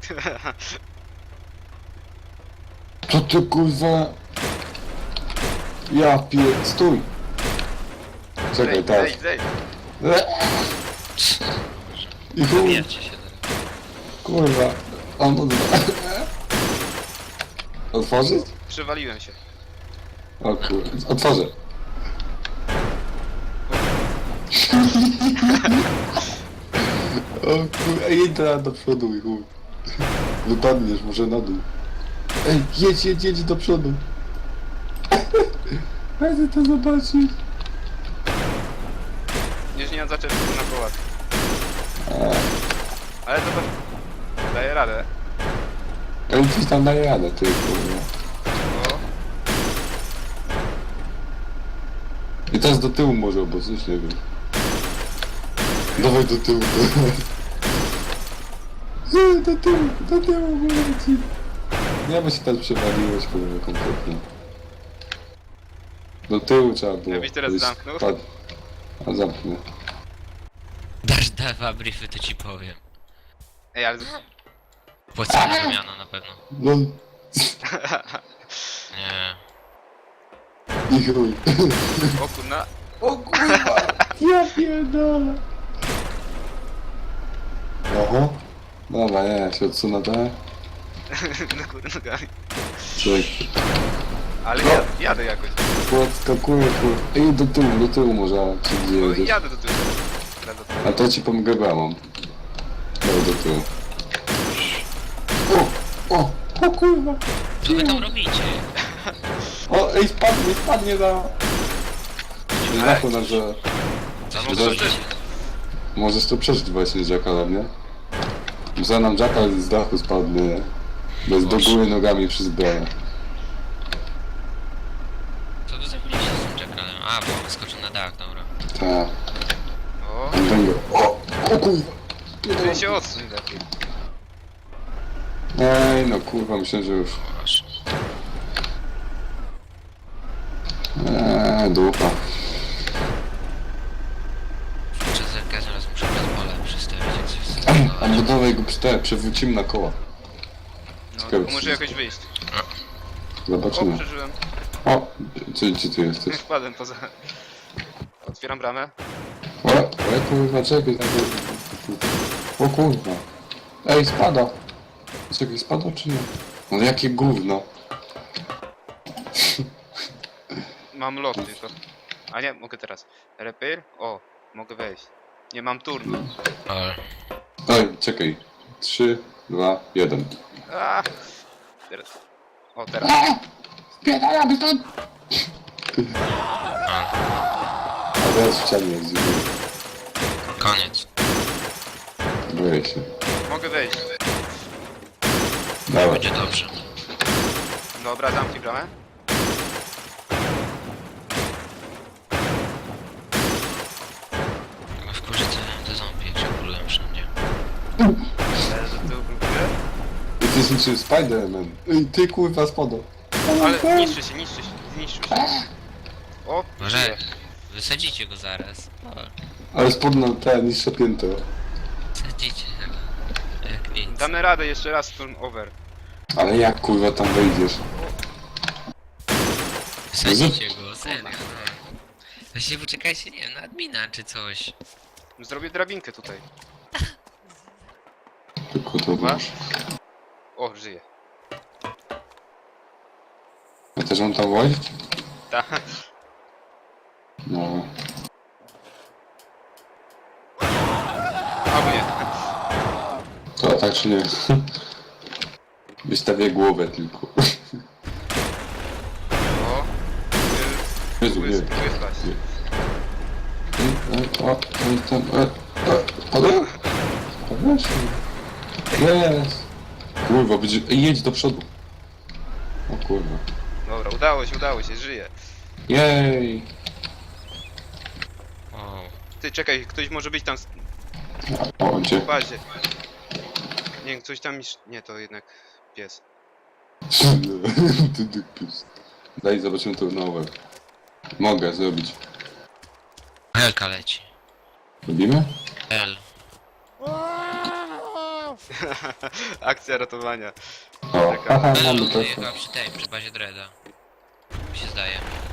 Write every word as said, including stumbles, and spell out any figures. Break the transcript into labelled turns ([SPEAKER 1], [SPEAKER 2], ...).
[SPEAKER 1] Co ty kurwa? Ja pie... Stój! Czekaj,
[SPEAKER 2] Zejdź,
[SPEAKER 1] tak.
[SPEAKER 2] zejdź, zejdź.
[SPEAKER 1] I chuj,
[SPEAKER 3] Zabijcie się teraz.
[SPEAKER 1] kurwa. On odwa... Otworzyć?
[SPEAKER 2] Przywaliłem się.
[SPEAKER 1] O kurwa, otworzę. O kurwa, jedź teraz do przodu i chuj. Wypadniesz może na dół. Ej, jedź, jedź, jedź do przodu. Chcę to zobaczyć.
[SPEAKER 2] Już nie mam zacząć na kołach. Ale zobacz. Daję radę.
[SPEAKER 1] Ej, coś tam daje radę, ty kurwa.
[SPEAKER 2] O,
[SPEAKER 1] I teraz do tyłu może, bo coś nie wiem. Dawaj do tyłu, dawaj. Nie, do tyłu, do tyłu, mówię ci. Nie, bo się tam przewaliłeś, kurwa, kompletnie. Do tyłu trzeba było.
[SPEAKER 2] Jakbyś teraz
[SPEAKER 1] Żebyś
[SPEAKER 2] zamknął?
[SPEAKER 1] spadł. A zamknę.
[SPEAKER 3] Dasz dwa briefy, to ci powiem.
[SPEAKER 2] ej, ale...
[SPEAKER 3] Płacimy wymiana na pewno.
[SPEAKER 1] No,
[SPEAKER 3] Nie.
[SPEAKER 1] i chuj.
[SPEAKER 2] O kurna.
[SPEAKER 1] O kurwa, ja pierdolę. Oho. Dobra, nie, ja się odsunę, tak?
[SPEAKER 2] No kurna nogami.
[SPEAKER 1] Czekaj.
[SPEAKER 2] Ale
[SPEAKER 1] No.
[SPEAKER 2] jadę, jadę jakoś.
[SPEAKER 1] Podskakuję, kurwa. Ej, do tyłu, do tyłu może, czy gdzie
[SPEAKER 2] No i
[SPEAKER 1] jedziesz?
[SPEAKER 2] jadę do tyłu. Jadę do tyłu.
[SPEAKER 1] A to ci pomogę bramą. Daj do tyłu. O, o, o kurwa.
[SPEAKER 3] Co wy tam robicie?
[SPEAKER 1] O, ej, spadnie, spadnie na... Z dachu na że...
[SPEAKER 3] Co
[SPEAKER 2] No
[SPEAKER 3] wy
[SPEAKER 2] to
[SPEAKER 3] robicie?
[SPEAKER 1] Możesz to przeżyć właśnie z Jackalem, nie? Za nam Jackal z dachu spadnie, nie? Bez do góry nogami przy zbrojach.
[SPEAKER 3] Co wy zrobiliście z tym Jackalem? A, bo on skoczył na dach, dobra.
[SPEAKER 1] Tak.
[SPEAKER 2] O,
[SPEAKER 1] Będę... O, o kurwa.
[SPEAKER 2] ty się odsuń lepiej.
[SPEAKER 1] Ej, no kurwa, myślę, że już...
[SPEAKER 3] Masz.
[SPEAKER 1] Eee, dupa.
[SPEAKER 3] Kurczę, zerkać, zaraz muszę pozwolę przestawić, jak coś
[SPEAKER 1] Ej,
[SPEAKER 3] zdecydować.
[SPEAKER 1] albo dawaj go przy przewrócimy na koła.
[SPEAKER 2] No,
[SPEAKER 1] Ciekawe,
[SPEAKER 2] to
[SPEAKER 1] czy
[SPEAKER 2] może
[SPEAKER 1] się-
[SPEAKER 2] jakoś wyjść. O,
[SPEAKER 1] Zobaczymy.
[SPEAKER 2] przeżyłem.
[SPEAKER 1] O, gdzie, gdzie ty jesteś?
[SPEAKER 2] Wpadłem poza... Otwieram bramę.
[SPEAKER 1] O, o kurwa, czekaj. O kurwa. Ej, spada. Czekaj, spada czy nie? No jakie gówno.
[SPEAKER 2] Mam lot tylko. A nie, mogę teraz. Repair? O, mogę wejść. Nie mam turnu.
[SPEAKER 3] Ale...
[SPEAKER 1] Ej, czekaj. Trzy, dwa, jeden.
[SPEAKER 2] A! Teraz. O, teraz.
[SPEAKER 1] Spierdalamy stąd!
[SPEAKER 3] A,
[SPEAKER 1] A teraz w ścianie jest dziwnie.
[SPEAKER 3] koniec.
[SPEAKER 1] Boję się.
[SPEAKER 2] Mogę wejść.
[SPEAKER 1] Dawaj.
[SPEAKER 3] Będzie dobrze.
[SPEAKER 2] Dobra, zamknij bramę.
[SPEAKER 3] Chyba wkurzy te, te zombie, jak się kulują wszędzie.
[SPEAKER 2] Teraz do tyłu próbuję.
[SPEAKER 1] Jesteś niczym Spider-Man. Ej, ty kurwa spada.
[SPEAKER 2] Ale niszczy się, niszczy się, zniszczył się. O,
[SPEAKER 3] Może
[SPEAKER 2] żyje.
[SPEAKER 3] wysadzicie go zaraz. O,
[SPEAKER 1] Ale spodna te niższe piętro.
[SPEAKER 3] wysadzicie go. Jak nic.
[SPEAKER 2] Damy radę jeszcze raz turn over.
[SPEAKER 1] Ale jak kurwa tam wejdziesz?
[SPEAKER 3] Wysadzicie go, serio. no. Właśnie poczekajcie, nie wiem, na admina czy coś.
[SPEAKER 2] Zrobię drabinkę tutaj.
[SPEAKER 1] Tylko to
[SPEAKER 2] Masz?
[SPEAKER 1] masz.
[SPEAKER 2] O, żyje.
[SPEAKER 1] Ja też mam tam łazić?
[SPEAKER 2] Tak.
[SPEAKER 1] No.
[SPEAKER 2] Albo nie.
[SPEAKER 1] To tak czy nie? Wystawię głowę tylko.
[SPEAKER 2] O.
[SPEAKER 1] Jezu,
[SPEAKER 2] Próbuję,
[SPEAKER 1] nie.
[SPEAKER 2] spróbuję spać.
[SPEAKER 1] E, O, oj tam, e, e, spadłem? Spadłeś? Jest! Kurwa, będzie... Ej, jedź do przodu. O kurwa.
[SPEAKER 2] Dobra, udało się, udało się, żyje.
[SPEAKER 1] Jej!
[SPEAKER 3] O,
[SPEAKER 2] Ty, czekaj, ktoś może być tam
[SPEAKER 1] O, gdzie?
[SPEAKER 2] w bazie. Nie wiem, coś tam... iż- Nie, to jednak pies.
[SPEAKER 1] Ty dykpius. Daj, zobaczymy to nowe. Mogę zrobić.
[SPEAKER 3] Helka leci.
[SPEAKER 1] Robimy?
[SPEAKER 3] L.
[SPEAKER 2] Akcja ratowania.
[SPEAKER 1] O, aha,
[SPEAKER 3] Ale
[SPEAKER 1] mamy
[SPEAKER 3] on
[SPEAKER 1] to.
[SPEAKER 3] jechał przy tej, przy bazie Dreada. Mi się zdaje.